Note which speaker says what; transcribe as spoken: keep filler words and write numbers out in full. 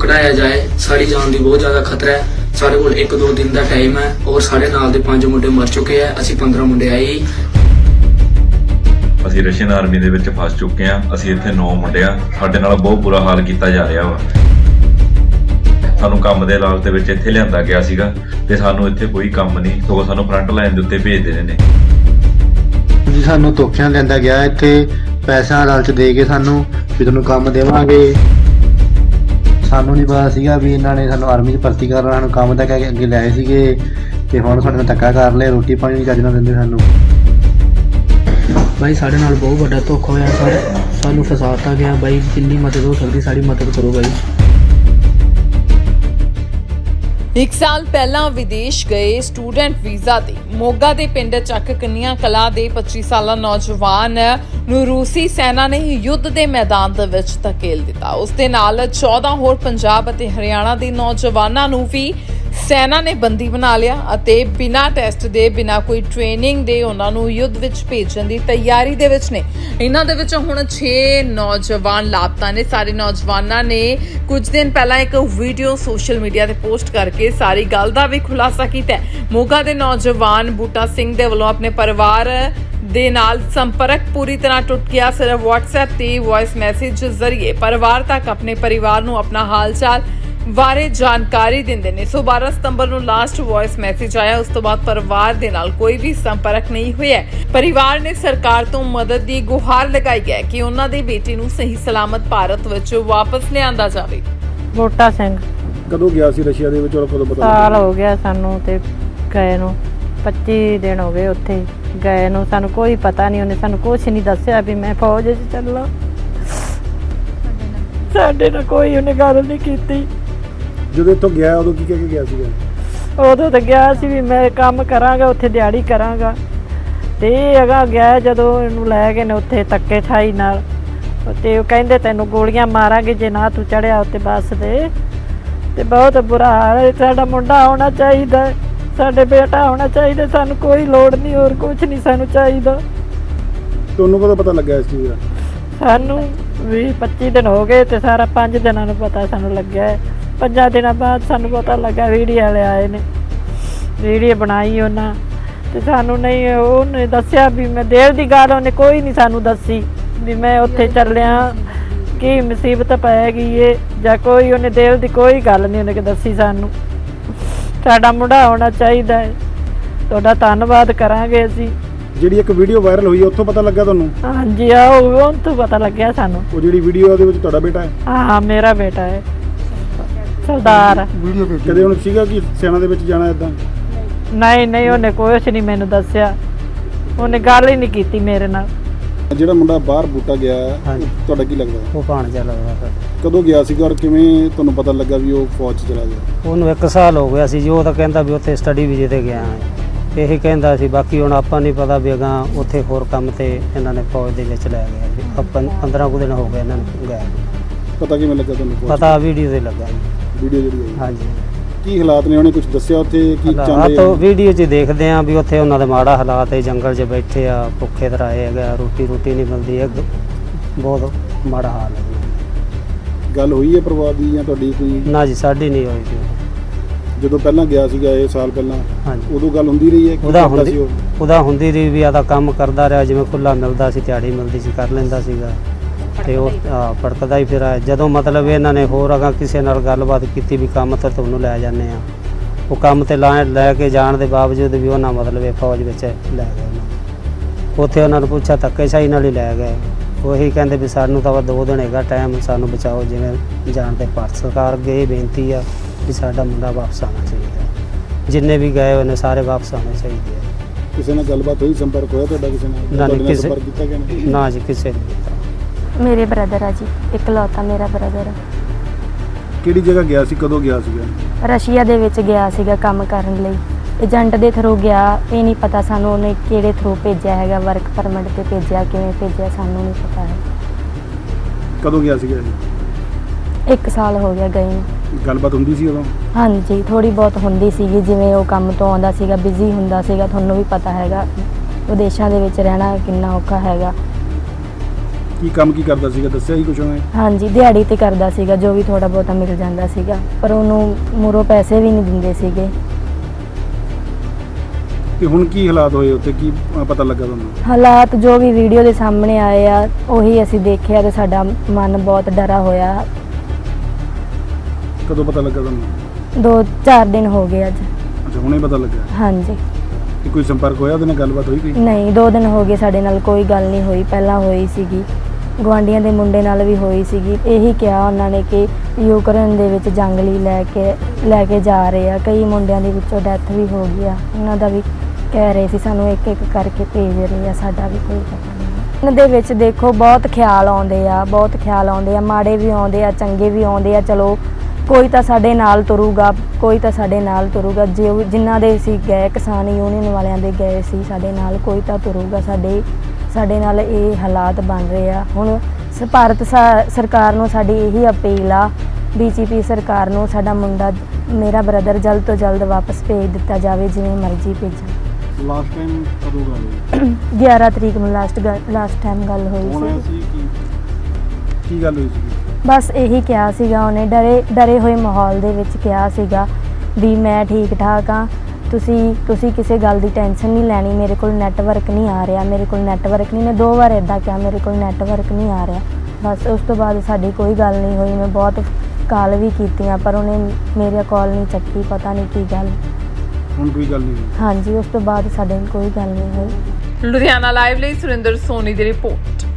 Speaker 1: कढ़ाया जाए। साड़ी जान की बहुत ज़्यादा खतरा है। साढ़े कोल एक दो दिन का टाइम है और साढ़े नाल दे पांच मुंडे मर चुके हैं। असी पंद्रह मुंडे आए।
Speaker 2: ਅਸੀਂ ਰਸ਼ੀਅਨ ਆਰਮੀ ਦੇ ਵਿੱਚ ਫਸ ਚੁੱਕੇ ਹਾਂ। ਅਸੀਂ ਇੱਥੇ ਨੌ ਮੁੰਡੇ ਆ। ਸਾਡੇ ਨਾਲ ਬਹੁਤ ਬੁਰਾ ਹਾਲ ਕੀਤਾ ਜਾ ਰਿਹਾ ਵਾ। ਸਾਨੂੰ ਕੰਮ ਦੇ ਲਾਲਚ ਦੇ ਵਿੱਚ ਇੱਥੇ ਲਿਆਂਦਾ ਗਿਆ ਸੀਗਾ ਤੇ ਸਾਨੂੰ ਇੱਥੇ ਕੋਈ ਕੰਮ ਨਹੀਂ, ਸਗੋਂ ਸਾਨੂੰ ਫਰੰਟ ਲਾਈਨ ਦੇ ਉੱਤੇ ਭੇਜ ਦੇ ਨੇ
Speaker 3: ਜੀ। ਸਾਨੂੰ ਧੋਖਿਆਂ ਲੈਂਦਾ ਗਿਆ ਇੱਥੇ, ਪੈਸਾ ਲਾਲਚ ਦੇ ਕੇ ਸਾਨੂੰ ਵੀ ਤੁਹਾਨੂੰ ਕੰਮ ਦੇਵਾਂਗੇ। ਸਾਨੂੰ ਨਹੀਂ ਪਤਾ ਸੀਗਾ ਵੀ ਇਹਨਾਂ ਨੇ ਸਾਨੂੰ ਆਰਮੀ 'ਚ ਭਰਤੀ ਕਰਨਾ। ਸਾਨੂੰ ਕੰਮ ਤਾਂ ਕਹਿ ਕੇ ਅੱਗੇ ਲਾਏ ਸੀਗੇ ਤੇ ਹੁਣ ਸਾਡੇ ਨਾਲ ਧੱਕਾ ਕਰ ਲਿਆ। ਰੋਟੀ ਪਾਣੀ ਨਹੀਂ ਚੱਜ ਨਾਲ ਦਿੰਦੇ ਸਾਨੂੰ।
Speaker 4: भाई साढ़े नाल बहुत बड़ा धोखा होया सर। सानू फसाता गया भाई। जिन्नी मदद हो सकती साड़ी मदद करो भाई।
Speaker 5: एक साल पहला विदेश गए स्टूडेंट वीज़ा ते मोगा दे पिंड ਚੱਕ ਕੰਨੀਆਂ ਕਲਾ ਦੇ पच्ची ਸਾਲਾ ਨੌਜਵਾਨ ਨੂੰ ਰੂਸੀ ਸੈਨਾ ਨੇ ਯੁੱਧ ਦੇ ਮੈਦਾਨ ਦੇ ਵਿੱਚ ਧਕੇਲ ਦਿੱਤਾ। ਉਸ ਦੇ ਨਾਲ चौदह ਹੋਰ ਪੰਜਾਬ ਅਤੇ ਹਰਿਆਣਾ ਦੇ ਨੌਜਵਾਨਾਂ ਨੂੰ ਵੀ ਸੈਨਾ ਨੇ ਬੰਦੀ ਬਣਾ ਲਿਆ ਅਤੇ ਬਿਨਾਂ ਟੈਸਟ ਦੇ ਬਿਨਾਂ ਕੋਈ ਟ੍ਰੇਨਿੰਗ ਦੇ ਉਹਨਾਂ ਨੂੰ ਯੁੱਧ ਵਿੱਚ ਭੇਜਣ ਦੀ ਤਿਆਰੀ ਦੇ ਵਿੱਚ ਨੇ। ਇਹਨਾਂ ਦੇ ਵਿੱਚ ਹੁਣ छह ਨੌਜਵਾਨ ਲਾਪਤਾ ਨੇ। ਸਾਰੇ ਨੌਜਵਾਨਾਂ ਨੇ ਕੁਝ ਦਿਨ ਪਹਿਲਾਂ ਇੱਕ ਵੀਡੀਓ ਸੋਸ਼ਲ ਮੀਡੀਆ ਤੇ ਪੋਸਟ ਕਰਕੇ ਸਾਰੀ ਗੱਲ ਦਾ ਵੀ ਖੁਲਾਸਾ ਕੀਤਾ। ਮੋਗਾ ਦੇ ਨੌਜਵਾਨ ਬੂਟਾ ਸਿੰਘ ਦੇ ਵੱਲੋਂ ਆਪਣੇ ਪਰਿਵਾਰ ਦੇ ਨਾਲ ਸੰਪਰਕ ਪੂਰੀ ਤਰ੍ਹਾਂ ਟੁੱਟ ਗਿਆ। ਸਿਰਫ WhatsApp ਤੇ ਵੌਇਸ ਮੈਸੇਜ ਜ਼ਰੀਏ ਪਰਿਵਾਰ ਤੱਕ ਆਪਣੇ ਪਰਿਵਾਰ ਨੂੰ ਆਪਣਾ ਹਾਲ ਚਾਲ ਬਾਰੇ ਜਾਣਕਾਰੀ ਦਿੰਦੇ ਨੇ। ਸੋ ਬਾਰਾਂ ਸਤੰਬਰ ਨੂੰ ਲਾਸਟ ਵੌਇਸ ਮੈਸੇਜ ਆਇਆ। ਉਸ ਤੋਂ ਬਾਅਦ ਪਰਿਵਾਰ ਦੇ ਨਾਲ ਕੋਈ ਵੀ ਸੰਪਰਕ ਨਹੀਂ ਹੋਇਆ। ਪਰਿਵਾਰ ਨੇ ਸਰਕਾਰ ਤੋਂ ਮਦਦ ਦੀ ਗੁਹਾਰ ਲਗਾਈ ਹੈ ਕਿ ਉਹਨਾਂ ਦੇ ਬੇਟੇ ਨੂੰ ਸਹੀ ਸਲਾਮਤ ਭਾਰਤ ਵਿੱਚ ਵਾਪਸ ਲਿਆਂਦਾ ਜਾਵੇ।
Speaker 6: ਬੂਟਾ ਸਿੰਘ
Speaker 7: ਕਦੋਂ ਗਿਆ ਸੀ ਰਸ਼ੀਆ ਦੇ ਵਿੱਚ ਔਰ ਕਦੋਂ ਪਤਾ
Speaker 6: ਸਾਲ ਹੋ ਗਿਆ ਸਾਨੂੰ ਤੇ ਗਏ ਨੂੰ। पच्ची ਦਿਨ ਹੋ ਗਏ ਉੱਥੇ ਗਏ ਨੂੰ। ਸਾਨੂੰ ਕੋਈ ਪਤਾ ਨਹੀਂ, ਉਹਨੇ ਸਾਨੂੰ ਕੁਛ ਨਹੀਂ ਦੱਸਿਆ ਵੀ ਮੈਂ ਫੌਜ 'ਚ ਚੱਲਾਂ। ਸਾਡੇ ਨਾਲ ਕੋਈ ਉਹਨੇ ਗੱਲ ਨਹੀਂ ਕੀਤੀ।
Speaker 7: ਜਦੋਂ ਇੱਥੋਂ ਗਿਆ ਉਦੋਂ ਕੀ ਕਹਿ ਕੇ ਗਿਆ ਸੀਗਾ?
Speaker 6: ਉਦੋਂ ਤਾਂ ਗਿਆ ਸੀ ਵੀ ਮੈਂ ਕੰਮ ਕਰਾਂਗਾ ਉੱਥੇ, ਦਿਹਾੜੀ ਕਰਾਂਗਾ। ਤੇ ਇਹ ਅਗਾ ਗਿਆ ਜਦੋਂ ਇਹਨੂੰ ਲੈ ਗਏ ਨੇ ਉੱਥੇ ਧੱਕੇ ਠਾਈ ਨਾਲ ਤੇ ਉਹ ਕਹਿੰਦੇ ਤੈਨੂੰ ਗੋਲੀਆਂ ਮਾਰਾਂਗੇ ਜੇ ਨਾ ਤੂੰ ਚੜਿਆ ਉੱਤੇ ਬੱਸ ਦੇ। ਤੇ ਬਹੁਤ ਬੁਰਾ ਹਾਲ ਹੈ। ਸਾਡਾ ਮੁੰਡਾ ਹੋਣਾ ਚਾਹੀਦਾ, ਸਾਡੇ ਬੇਟਾ ਹੋਣਾ ਚਾਹੀਦਾ। ਸਾਨੂੰ ਕੋਈ ਲੋੜ ਨਹੀਂ, ਹੋਰ ਕੁਝ ਨਹੀਂ ਸਾਨੂੰ ਚਾਹੀਦਾ।
Speaker 7: ਤੁਹਾਨੂੰ ਕਦੋਂ ਪਤਾ ਲੱਗਾ ਇਸ ਚੀਜ਼ ਦਾ?
Speaker 6: ਸਾਨੂੰ ਵੀਹ ਪੱਚੀ ਦਿਨ ਹੋ ਗਏ ਤੇ ਸਾਰਾ ਪੰਜ ਦਿਨਾਂ ਨੂੰ ਪਤਾ ਸਾਨੂੰ ਲੱਗਿਆ ਹੈ। ਪੰਜਾਂ ਦਿਨਾਂ ਬਾਅਦ ਸਾਨੂੰ ਪਤਾ ਲੱਗਾ, ਵੀਡੀਓ ਵਾਲੇ ਆਏ ਨੇ, ਵੀਡੀਓ ਬਣਾਈ ਉਹਨਾਂ ਤੇ ਸਾਨੂੰ ਨਹੀਂ ਉਹਨੇ ਦੱਸਿਆ ਵੀ ਮੈਂ ਦੇਰ ਦੀ ਗੱਲ ਉਹਨੇ ਕੋਈ ਨਹੀਂ ਸਾਨੂੰ ਦੱਸੀ ਵੀ ਮੈਂ ਉੱਥੇ ਚੱਲਿਆ ਕੀ ਮੁਸੀਬਤ ਪੈ ਗਈ ਏ ਜਾਂ ਕੋਈ ਉਹਨੇ ਦੇਰ ਦੀ ਕੋਈ ਗੱਲ ਨਹੀਂ ਉਹਨੇ ਦੱਸੀ ਸਾਨੂੰ। ਸਾਡਾ ਮੁੰਡਾ ਹੋਣਾ ਚਾਹੀਦਾ ਹੈ। ਤੁਹਾਡਾ ਧੰਨਵਾਦ ਕਰਾਂਗੇ ਅਸੀਂ।
Speaker 7: ਜਿਹੜੀ ਇੱਕ ਵੀਡੀਓ ਵਾਇਰਲ ਹੋਈ ਉੱਥੋਂ ਪਤਾ ਲੱਗਾ ਤੁਹਾਨੂੰ?
Speaker 6: ਹਾਂਜੀ ਆ ਉਹ ਤੋਂ ਪਤਾ ਲੱਗਿਆ ਸਾਨੂੰ।
Speaker 7: ਉਹ ਜਿਹੜੀ ਵੀਡੀਓ ਉਹਦੇ ਵਿੱਚ ਤੁਹਾਡਾ ਬੇਟਾ ਹੈ?
Speaker 6: ਹਾਂ ਮੇਰਾ ਬੇਟਾ ਹੈ ਸਰਦਾਰ।
Speaker 7: ਵੀਡੀਓ ਕਦੇ ਉਹਨੂੰ ਸੀਗਾ ਕਿ ਸੈਨਾ ਦੇ ਵਿੱਚ ਜਾਣਾ ਇਦਾਂ?
Speaker 6: ਨਹੀਂ ਨਹੀਂ ਉਹਨੇ ਕੁਛ ਨਹੀਂ ਮੈਨੂੰ ਦੱਸਿਆ, ਉਹਨੇ ਗੱਲ ਹੀ ਨਹੀਂ ਕੀਤੀ ਮੇਰੇ ਨਾਲ।
Speaker 7: ਜਿਹੜਾ ਮੁੰਡਾ ਬਾਹਰ ਬੂਟਾ ਗਿਆ ਤੁਹਾਡਾ ਕੀ ਲੱਗਦਾ?
Speaker 3: ਉਹ ਭਾਣਜਾ ਲੱਗਦਾ ਸਰ।
Speaker 7: ਕਦੋਂ ਗਿਆ ਸੀਗਾ ਔਰ ਕਿਵੇਂ ਤੁਹਾਨੂੰ ਪਤਾ ਲੱਗਾ ਵੀ ਉਹ ਫੌਜ 'ਚ ਚਲਾ ਗਿਆ?
Speaker 3: ਉਹਨੂੰ ਇੱਕ ਸਾਲ ਹੋ ਗਿਆ ਸੀ ਜੀ। ਉਹ ਤਾਂ ਕਹਿੰਦਾ ਵੀ ਉੱਥੇ ਸਟੱਡੀ ਵੀਜ਼ੇ ਤੇ ਗਿਆ ਹੈ, ਇਹੀ ਕਹਿੰਦਾ ਸੀ। ਬਾਕੀ ਹੁਣ ਆਪਾਂ ਨਹੀਂ ਪਤਾ ਵੀ ਅਗਾਂ ਉੱਥੇ ਹੋਰ ਕੰਮ ਤੇ ਇਹਨਾਂ ਨੇ ਫੌਜ ਦੇ ਵਿੱਚ ਲੈ ਗਿਆ ਜੀ। ਆਪਾਂ ਪੰਦਰਾਂ ਕੁ ਦਿਨ ਹੋ ਗਏ ਇਹਨਾਂ ਨੂੰ ਗਏ।
Speaker 7: ਪਤਾ ਕਿਵੇਂ ਲੱਗਾ ਤੁਹਾਨੂੰ?
Speaker 3: ਪਤਾ ਵੀਡੀਓ ਤੇ ਲੱਗਾ ਜੀ।
Speaker 7: ਵੀਡੀਓ ਜਿਹੜੀ ਆਈ?
Speaker 3: ਹਾਂਜੀ।
Speaker 7: ਕੀ ਹਾਲਾਤ ਨੇ ਉਹਨੇ ਕੁਝ ਦੱਸਿਆ ਉੱਥੇ? ਕੀ ਚਾਹੁੰਦੇ
Speaker 3: ਆ? ਵੀਡੀਓ 'ਚ ਦੇਖਦੇ ਆ ਵੀ ਉੱਥੇ ਉਹਨਾਂ ਦੇ ਮਾੜਾ ਹਾਲਾਤ ਹੈ, ਜੰਗਲ 'ਚ ਬੈਠੇ ਆ, ਭੁੱਖੇ ਧਰਾਏ ਹੈਗਾ, ਰੋਟੀ ਰੋਟੀ ਨਹੀਂ ਮਿਲਦੀ ਹੈ, ਬਹੁਤ ਮਾੜਾ ਹਾਲ ਹੈ।
Speaker 7: ਗੱਲ ਹੋਈ ਹੈ ਪਰਿਵਾਰ ਦੀ ਜਾਂ ਤੁਹਾਡੀ ਕੋਈ?
Speaker 3: ਨਾ ਜੀ ਸਾਡੀ ਨਹੀਂ ਹੋਈ ਜੀ।
Speaker 7: ਜਦੋਂ ਪਹਿਲਾਂ ਗਿਆ ਸੀਗਾ ਇਹ ਸਾਲ ਪਹਿਲਾਂ,
Speaker 3: ਹਾਂਜੀ,
Speaker 7: ਉਦੋਂ ਗੱਲ ਹੁੰਦੀ ਰਹੀ ਹੈ?
Speaker 3: ਉਹਦਾ ਹੁੰਦੀ ਉਹਦਾ ਹੁੰਦੀ ਰਹੀ ਵੀ ਆਦਾ ਕੰਮ ਕਰਦਾ ਰਿਹਾ, ਜਿਵੇਂ ਖੁੱਲਾ ਮਿਲਦਾ ਸੀ, ਦਿਹਾੜੀ ਮਿਲਦੀ ਸੀ, ਕਰ ਲੈਂਦਾ ਸੀਗਾ ਤੇ ਉਹ ਭੜਕਦਾ ਹੀ ਫਿਰ ਜਦੋਂ ਮਤਲਬ ਇਹਨਾਂ ਨੇ ਹੋਰ ਅਗਾਂ ਕਿਸੇ ਨਾਲ ਗੱਲਬਾਤ ਕੀਤੀ ਵੀ ਕੰਮ ਤਾਂ ਤੁਹਾਨੂੰ ਲੈ ਜਾਂਦੇ ਆ, ਉਹ ਕੰਮ ਤੇ ਲਾ ਲੈ ਕੇ ਜਾਣ ਦੇ ਬਾਵਜੂਦ ਵੀ ਉਹਨਾਂ ਮਤਲਬ ਇਹ ਫੌਜ ਵਿੱਚ ਲੈ ਗਏ ਉਹਨਾਂ। ਉੱਥੇ ਉਹਨਾਂ ਨੂੰ ਪੁੱਛਿਆ ਧੱਕੇਸ਼ਾਹੀ ਨਾਲ ਹੀ ਲੈ ਗਏ। ਉਹੀ ਕਹਿੰਦੇ ਵੀ ਸਾਨੂੰ ਤਾਂ ਦੋ ਦਿਨ ਹੈਗਾ ਟਾਈਮ, ਸਾਨੂੰ ਬਚਾਓ ਜਿਵੇਂ ਜਾਣ ਦੇ। ਭਾਰਤ ਸਰਕਾਰ ਅੱਗੇ ਇਹ ਬੇਨਤੀ ਆ ਵੀ ਸਾਡਾ ਮੁੰਡਾ ਵਾਪਸ ਆਉਣਾ ਚਾਹੀਦਾ। ਜਿੰਨੇ ਵੀ ਗਏ ਉਹਨੇ ਸਾਰੇ ਵਾਪਸ ਆਉਣੇ ਚਾਹੀਦੇ ਆ।
Speaker 7: ਕਿਸੇ ਨਾਲ ਗੱਲਬਾਤ ਹੋਈ, ਸੰਪਰਕ ਹੋਇਆ ਤੁਹਾਡਾ ਕਿਸੇ ਨਾਲ?
Speaker 3: ਨਾ ਕਿਸੇ
Speaker 7: ਕੀਤਾ ਗਿਆ?
Speaker 3: ਨਾ ਜੀ ਕਿਸੇ ਨੇ ਕੀਤਾ।
Speaker 8: ਮੇਰੇ ਬ੍ਰਦਰ ਆ ਜੀ, ਇਕਲੌਤਾ ਮੇਰਾ ਬ੍ਰਦਰ ਆ।
Speaker 7: ਕਿਹੜੀ ਜਗ੍ਹਾ ਗਿਆ ਸੀ, ਕਦੋਂ ਗਿਆ ਸੀਗਾ?
Speaker 8: ਰਸ਼ੀਆ ਦੇ ਵਿੱਚ ਗਿਆ ਸੀਗਾ ਕੰਮ ਕਰਨ ਲਈ। ਏਜੰਟ ਦੇ ਥਰੂ ਗਿਆ, ਇਹ ਨਹੀਂ ਪਤਾ ਸਾਨੂੰ ਉਹਨੇ ਕਿਹੜੇ ਥਰੂ ਭੇਜਿਆ ਹੈਗਾ, ਵਰਕ ਪਰਮਿਟ ਤੇ ਭੇਜਿਆ, ਕਿਵੇਂ ਭੇਜਿਆ ਸਾਨੂੰ ਨਹੀਂ ਪਤਾ ਹੈ।
Speaker 7: ਕਦੋਂ ਗਿਆ ਸੀਗਾ?
Speaker 8: ਇੱਕ ਸਾਲ ਹੋ ਗਿਆ ਗਏ ਨੂੰ।
Speaker 7: ਗੱਲਬਾਤ ਹੁੰਦੀ ਸੀ ਉਦੋਂ?
Speaker 8: ਹਾਂਜੀ ਥੋੜੀ ਬਹੁਤ ਹੁੰਦੀ ਸੀਗੀ, ਜਿਵੇਂ ਉਹ ਕੰਮ ਤੋਂ ਆਉਂਦਾ ਸੀਗਾ, ਬਿਜ਼ੀ ਹੁੰਦਾ ਸੀਗਾ। ਤੁਹਾਨੂੰ ਵੀ ਪਤਾ ਹੈਗਾ ਵਿਦੇਸ਼ਾਂ ਦੇ ਵਿੱਚ ਰਹਿਣਾ ਕਿੰਨਾ ਔਖਾ ਹੈਗਾ।
Speaker 7: ਕੀ ਕੰਮ ਕੀ ਕਰਦਾ ਸੀਗਾ, ਦੱਸਿਆ ਹੀ ਕੁਛ ਉਹਨੇ?
Speaker 8: ਹਾਂਜੀ ਦਿਹਾੜੀ ਤੇ ਕਰਦਾ ਸੀਗਾ, ਜੋ ਵੀ ਥੋੜਾ ਬਹੁਤਾ ਮਿਲ ਜਾਂਦਾ ਸੀਗਾ, ਪਰ ਉਹਨੂੰ ਮੂਹਰੋਂ ਪੈਸੇ ਵੀ ਨਹੀਂ ਦਿੰਦੇ ਸੀਗੇ।
Speaker 7: ਤੇ ਹੁਣ ਕੀ ਹਾਲਾਤ ਹੋਏ ਉੱਥੇ, ਕੀ ਅ, ਪਤਾ ਲੱਗਾ ਤੁਹਾਨੂੰ?
Speaker 8: ਹਾਲਾਤ ਜੋ ਵੀ ਵੀਡੀਓ ਦੇ ਸਾਹਮਣੇ ਆਏ ਆ ਉਹੀ ਅਸੀਂ ਦੇਖਿਆ ਤੇ ਸਾਡਾ ਮਨ ਬਹੁਤ ਡਰਾ ਹੋਇਆ।
Speaker 7: ਕਦੋਂ ਪਤਾ ਲੱਗਾ ਤੁਹਾਨੂੰ?
Speaker 8: ਦੋ ਚਾਰ ਦਿਨ ਹੋ ਗਏ ਅੱਜ।
Speaker 7: ਅੱਛਾ, ਹੁਣੇ ਪਤਾ ਲੱਗਾ।
Speaker 8: ਹਾਂਜੀ
Speaker 7: ਤੇ ਕੋਈ ਸੰਪਰਕ ਹੋਇਆ ਉਹਦੇ ਨਾਲ, ਗੱਲਬਾਤ ਹੋਈ ਕੋਈ?
Speaker 8: ਨਹੀਂ, ਦੋ ਦਿਨ ਹੋ ਗਏ ਸਾਡੇ ਨਾਲ ਕੋਈ ਗੱਲ ਨਹੀਂ ਹੋਈ। ਪਹਿਲਾਂ ਹੋਈ ਸੀਗੀ, ਗੁਆਂਢੀਆਂ ਦੇ ਮੁੰਡੇ ਨਾਲ ਵੀ ਹੋਈ ਸੀਗੀ। ਇਹੀ ਕਿਹਾ ਉਹਨਾਂ ਨੇ ਕਿ ਯੂਕਰੇਨ ਦੇ ਵਿੱਚ ਜੰਗ ਲਈ ਲੈ ਕੇ ਲੈ ਕੇ ਜਾ ਰਹੇ ਆ, ਕਈ ਮੁੰਡਿਆਂ ਦੇ ਵਿੱਚੋਂ ਡੈਥ ਵੀ ਹੋ ਗਈ ਆ, ਉਹਨਾਂ ਦਾ ਵੀ ਕਹਿ ਰਹੇ ਸੀ ਸਾਨੂੰ ਇੱਕ ਇੱਕ ਕਰਕੇ ਭੇਜ ਰਹੇ ਆ, ਸਾਡਾ ਵੀ ਕੋਈ ਪਤਾ ਨਹੀਂ। ਇਹਨਾਂ ਦੇ ਵਿੱਚ ਦੇਖੋ ਬਹੁਤ ਖਿਆਲ ਆਉਂਦੇ ਆ, ਬਹੁਤ ਖਿਆਲ ਆਉਂਦੇ ਆ, ਮਾੜੇ ਵੀ ਆਉਂਦੇ ਆ, ਚੰਗੇ ਵੀ ਆਉਂਦੇ ਆ। ਚਲੋ ਕੋਈ ਤਾਂ ਸਾਡੇ ਨਾਲ ਤੁਰੂਗਾ, ਕੋਈ ਤਾਂ ਸਾਡੇ ਨਾਲ ਤੁਰੂਗਾ। ਜੇ ਜਿਨ੍ਹਾਂ ਦੇ ਅਸੀਂ ਗਏ, ਕਿਸਾਨ ਯੂਨੀਅਨ ਵਾਲਿਆਂ ਦੇ ਗਏ ਸੀ ਸਾਡੇ ਨਾਲ, ਕੋਈ ਤਾਂ ਤੁਰੂਗਾ। ਸਾਡੇ ਸਾਡੇ ਨਾਲ ਇਹ ਹਾਲਾਤ ਬਣ ਰਹੇ ਆ। ਹੁਣ ਸ- ਭਾਰਤ ਸਾ- ਸਰਕਾਰ ਨੂੰ ਸਾਡੀ ਇਹੀ ਅਪੀਲ ਆ, ਬੀਜੇਪੀ ਸਰਕਾਰ ਨੂੰ, ਸਾਡਾ ਮੁੰਡਾ ਮੇਰਾ ਬ੍ਰਦਰ ਜਲਦ ਤੋਂ ਜਲਦ ਵਾਪਸ ਭੇਜ ਦਿੱਤਾ ਜਾਵੇ, ਜਿਵੇਂ ਮਰਜ਼ੀ ਭੇਜਣ।
Speaker 7: ਲਾਸਟ ਟਾਈਮ ਕਦੋਂ ਗੱਲ ਹੋਈ?
Speaker 8: ਗਿਆਰਾਂ ਤਰੀਕ ਨੂੰ ਲਾਸਟ ਲਾਸਟ ਟਾਈਮ ਗੱਲ ਹੋਈ
Speaker 7: ਕੌਣ ਆਇਆ
Speaker 8: ਸੀ।
Speaker 7: ਸੀ? ਕੀ ਕੀ ਗੱਲ ਹੋਈ ਸੀ?
Speaker 8: ਬਸ ਇਹੀ ਕਿਹਾ ਸੀਗਾ ਉਹਨੇ, ਡਰੇ ਡਰੇ ਹੋਏ ਮਾਹੌਲ ਦੇ ਵਿੱਚ ਕਿਹਾ ਸੀਗਾ ਵੀ ਮੈਂ ਠੀਕ ਠਾਕ ਹਾਂ, ਤੁਸੀਂ ਤੁਸੀਂ ਕਿਸੇ ਗੱਲ ਦੀ ਟੈਨਸ਼ਨ ਨਹੀਂ ਲੈਣੀ, ਮੇਰੇ ਕੋਲ ਨੈਟਵਰਕ ਨਹੀਂ ਆ ਰਿਹਾ, ਮੇਰੇ ਕੋਲ ਨੈਟਵਰਕ ਨਹੀਂ। ਨੇ ਦੋ ਵਾਰ ਇੱਦਾਂ ਕਿਹਾ ਮੇਰੇ ਕੋਲ ਨੈਟਵਰਕ ਨਹੀਂ ਆ ਰਿਹਾ। ਬਸ ਉਸ ਤੋਂ ਬਾਅਦ ਸਾਡੀ ਕੋਈ ਗੱਲ ਨਹੀਂ ਹੋਈ। ਮੈਂ ਬਹੁਤ ਕਾਲ ਵੀ ਕੀਤੀਆਂ ਪਰ ਉਹਨੇ ਮੇਰੀ ਕਾਲ ਨਹੀਂ ਚੱਕੀ, ਪਤਾ ਨਹੀਂ ਕੀ ਗੱਲ।
Speaker 7: ਹੁਣ ਕੋਈ ਗੱਲ ਨਹੀਂ ਹੋਈ?
Speaker 8: ਹਾਂਜੀ, ਉਸ ਤੋਂ ਬਾਅਦ ਸਾਡੇ ਨਾਲ ਕੋਈ ਗੱਲ ਨਹੀਂ ਹੋਈ।
Speaker 5: ਲੁਧਿਆਣਾ ਲਾਈਵ ਲਈ ਸੁਰਿੰਦਰ ਸੋਨੀ ਦੀ ਰਿਪੋਰਟ।